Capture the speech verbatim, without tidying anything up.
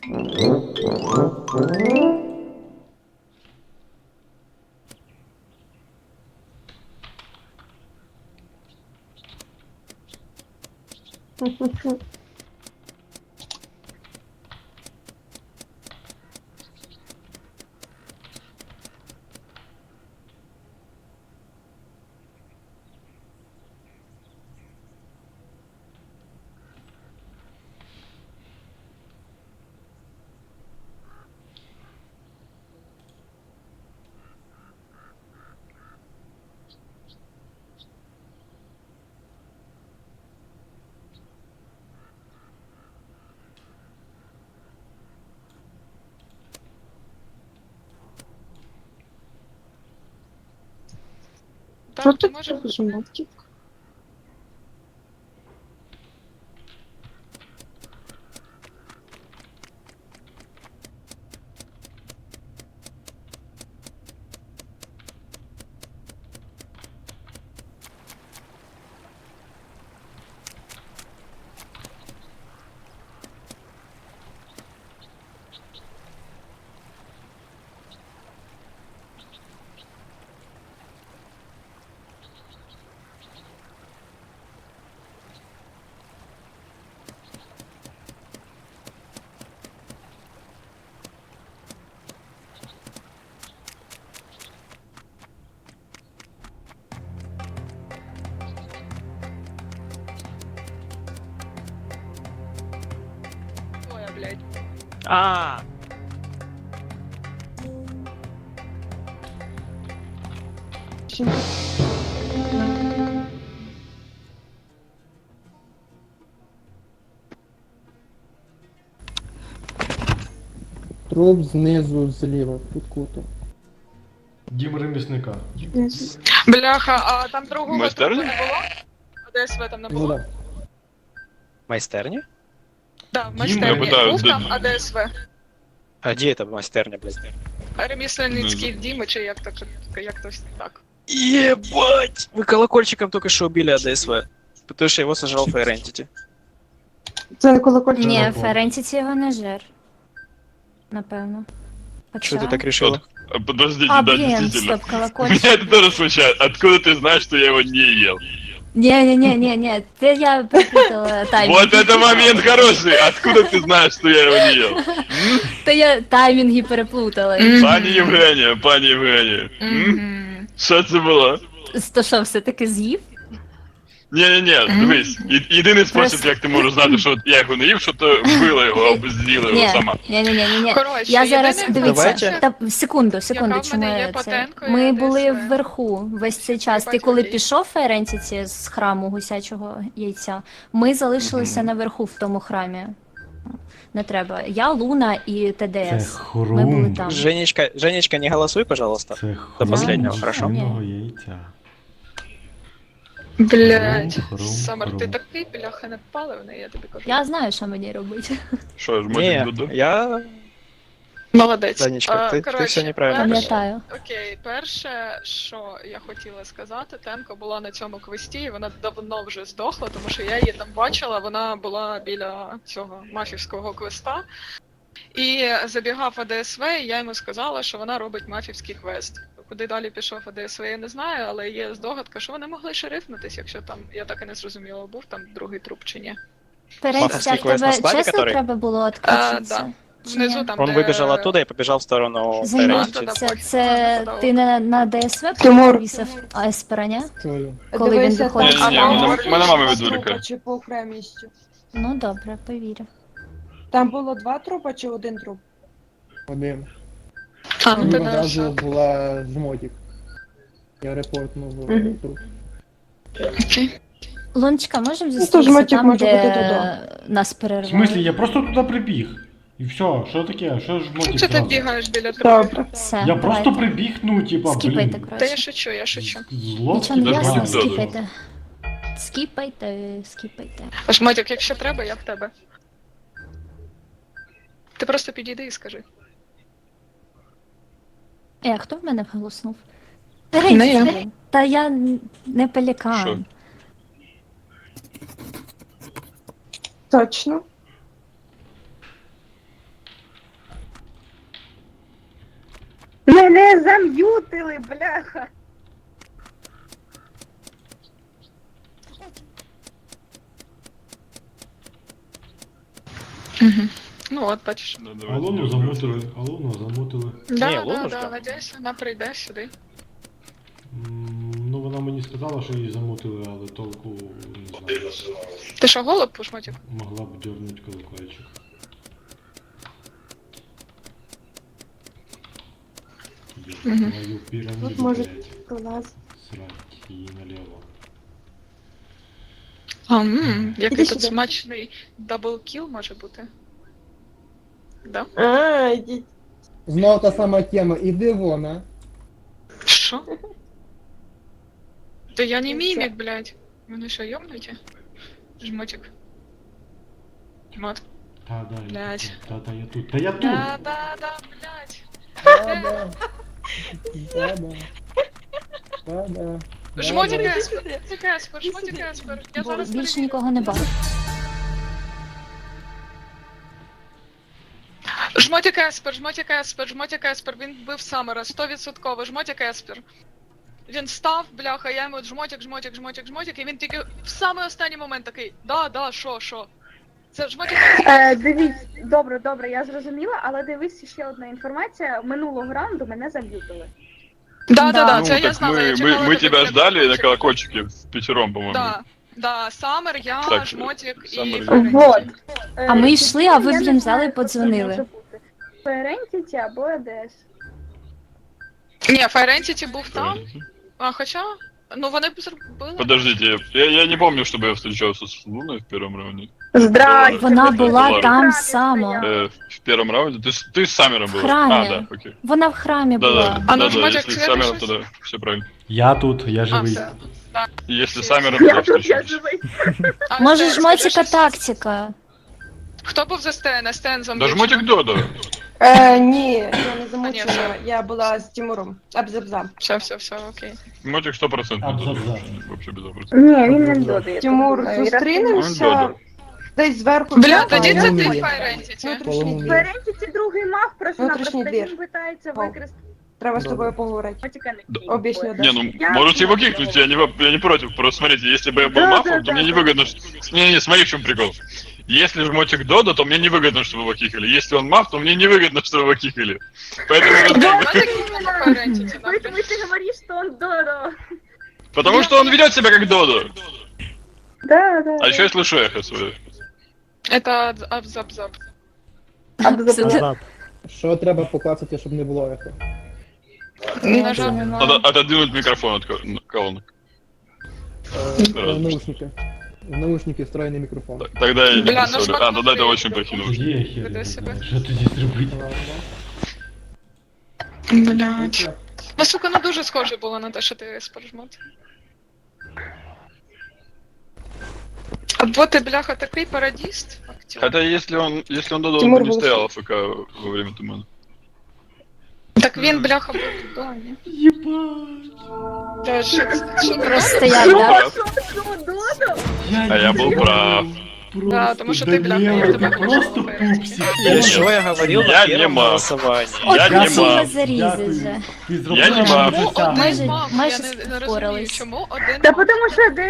Так, ти можеш. Ой, блядь. А, Труп знизу зліва, під кутом. Дім ремісника. Бляха, а там другого Майстерня? трупу не було? А ДСВ там не Ну було? да. майстерня? Да, в Дім, майстерні. я питаю, Був де- там АДСВ. А где это майстерня, блядь? Ремісленницький Діми, чи як так, як тось так. Ебать! Вы колокольчиком только что убили АДСВ. Потому что его сожрал Фейрентити. Це не колокольчик. Ні, Ні, напевно. Ферентіті його не жер. Напевно. Хоча... Что ты так решила? А, Подождите, А, да, блин, действительно. стоп, Меня колокольчик. это тоже смущает. Откуда ты знаешь, что я его не ел? Не-не-не-не-не, це я перепутала таймінг. Вот это момент хороший. Откуда ты знаешь, что я его не ел? Та я таймінги переплутала. Пані Євгенія, пані Євгенія. М? Мгм. Що це було? То що, все-таки з'їв? Ні-ні-ні, дивись. І- Єдиний спосіб, Просто- як ти можеш знати, що я його не їв, що ти вбила його або з'їла його Ні, сама. ні-ні-ні-ні. Коротше, Я зараз, єдине, дивіться, Давайте. та секунду, секунду, Яка в чому мене є я це? патенка, Ми я були десь, е, вверху весь цей час. Ти бачу, коли окей. пішов Ферентіті з храму гусячого яйця, ми залишилися наверху в тому храмі. Не треба. Я, Луна і Це ТДС. Ми були хрум. там. Женечка, Женечка, не голосуй, пожалуйста. Це До последнего, хрум хорошо? свиного яйця. Блядь. Хрум, хрум, Самар, ти хрум. такий, бляха, не паливний, я тобі кажу. Я знаю, що мені робити. Що ж, Не, мотик Дуду? я... Молодець. Данечка, А, ти- ти коротше, все неправильно перше- Пам'ятаю. Окей, перше, що я хотіла сказати, Темко була на цьому квесті, і вона давно вже здохла, тому що я її там бачила, вона була біля цього мафівського квеста. І забігав АДСВ, і я йому сказала, що вона робить мафівський квест. Куди далі пішов АДСВ, я не знаю, але є здогадка, що вони могли шерифнутись, якщо там, я так і не зрозуміла, був там другий труп чи ні. Ферентіті, а Мафовський в квест на тебе складі, чесно который? треба було А, відключитися? да. Чи Внизу ні? там, Он де... выбежал оттуда и побежал в сторону Замість, Фейрентити. да, це, потім. це Да, да, ти на, на ДСВ Тимур. повісив Еспераня? Чую. Коли він Дивися, виходить там Ні-ні-ні, А, мене- там мене мама два відволікає. трупа чи по окремістю. Ну добре, повірю. Там було два трупа чи один труп? Один. А, ну І ти одразу дальше. була жмотик. Я репортнув Мгм. труп. Окей. Лунчика, можемо то зустрітися жмотик там, може де бути туди. нас В перервали? смислі, я просто туди прибіг. І все, що таке? Що ж Чому мотик це ти зразу? бігаєш біля трупів? Добре. Все, Я давайте. просто прибіг, ну, типа, Скіпайте, блін. Та я коротше. шучу, я шучу. Зло. Нічого не Даже ясно, Мотик додому. скіпайте. Скіпайте, скіпайте. Аж Матюк, якщо треба, я в тебе. Ти просто підійди і скажи. Е, а хто в мене вголоснув? Не я. Ферентіті, та я н- не пелікан. Що? Точно. зам'ютили, бляха. Угу. Ну от, бачиш. Да, давайте Алону я замутили, Алону замутили. Да, Ні, да, Лунушка. да, надіюсь, вона прийде сюди. М, Ну вона мені сказала, що її замутили, але толку не знаю. Ти що, голуб пушмотик? Могла б дернуть колокольчик. Ёб Мгм. твою пирамиду, Тут може- блядь. Клас. Срать її налево. А, мм, який Іди тут сюди. смачний даблкіл може бути. Да? А, ідіть. Знову та сама тема, іди вон, а. Що? Да я не мімік, блядь. Вони що, йобнуті? Жмотик. Жмот. Та, да, я Блядь. тут. Та, та, я тут. Та я тут! Да, да, да, блядь. Да-да. Да-да. Да-да. Жмотик Да-да. еспер, жмотик еспер, жмотик еспер. Я Бо зараз більше перевірю. нікого не бачу. Жмотик еспер, жмотик еспер, жмотик еспер. Він вбив Самера, сто відсотків. Жмотик еспер. Він став, бляха, я йому жмотик, жмотик, жмотик, жмотик, і він тільки в самий останній момент такий, да, да, що, що. Це жмотик еспер. Е, дивіться, добре, добре, я зрозуміла, але дивись ще одна інформація. Минулого раунду мене зам'ютили. Да, да, да, Ну, це я так знала. мы, я мы, чекала, мы коли тебя буде ждали на колокольчик. колокольчике в пятером, по-моему. Да, да, Самер, я, Так, жмотик Самер, і я. Ференті. Вот. А ми йшли, а ви, Я не блін, знаю, взяли і хто це подзвонили. може бути. Ферентіті або ЕДС. Ні, Ферентіті був там, а хоча, ну вони б зробили. Подождите, я, я не помню, чтобы я встречался с Луной в первом раунде. Здрасте. Вона ви була тут там в храмі само. стояли. Э, в первом раунде? Ты, с- ты с Самером В была? храме. А, да, окей. Вона в храмі Да, да, була. А ну, да, да, Жмотик, если с цвет Самером, еще? тогда все правильно. Я тут, я А, живий. все. Да. И если с Все. Самером, Я то тут, я встречались. живий. А, Може, Стен, жмотіка скажи, тактика. Хто був за Стена? Стен зомбі. Да жмотик Додо. Е, ні, я не А, ні, замучила, все. я була з Тимуром. Абзабза. Все, все, все, окей. Жмотик сто процентов Абзац, Додо. да. Вообще без вопросов. Ні, він не додає. Тимур, Он зустрінемося Додо. десь зверху. Бля, Бля, тоді це ти Полум'я. Файрентіті. Внутрішній Полум'я. двір. Ферентіті другий мав просто Внутрішній напросто двір. він питається О. використати. Треба з Добре. тобою поговорити. Мотика не Да. кінь. Об'ясню, да. Не, ну, Я- можете его кикнуть, я не, во- я не против. Просто смотрите, если бы я был Да, мафом, да, то мне да, невыгодно... ш- Не-не, смотри, в чем прикол. Если жмотик Додо, то мне невыгодно, чтобы его кикали. Если он маф, то мне невыгодно, чтобы его кикали. Поэтому... вот- Жмотик і Файрентіті, Поэтому нахуй. ты говоришь, что он Додо. Потому что он ведет себя как Додо. Да, да. А еще я слышу эхо свое. Это абзабзаб. Абзаб. Що треба поклацати, щоб не було ехо? На жаль, Надо отодвинуть микрофон от ко- колонок. Е, Раз. В наушники. В наушники встроєний мікрофон. Так, Тогда я не Бля, ну представляю. ж А, тогда это смотри. очень плохие новости. Є хер, Веде не себе. знаю, що тоді зробити. блядь. Ну, сука, ну дуже схоже було на те, що ти споржмот. Або ти, бляха, такий парадіст, актер. Хотя если он, если он Додо, он Тимур бы не был стоял АФК во время тумана. Так він, бляха, був вдома. Да, що це? Що ти Просто я, да? Что, Додо? А я был прав. Да, тому що ти, бляха, я Даніела, тебе ти хочу просто попередити. пупсик. И что я говорил Я на не первом мав. голосовании? От Я не красиво мав. зарізать Дякую. же. Ти Я зробила не мав. Чому життя. один Майже- мав? майже Я не, не розумію, впорались. чому один Да мав? потому что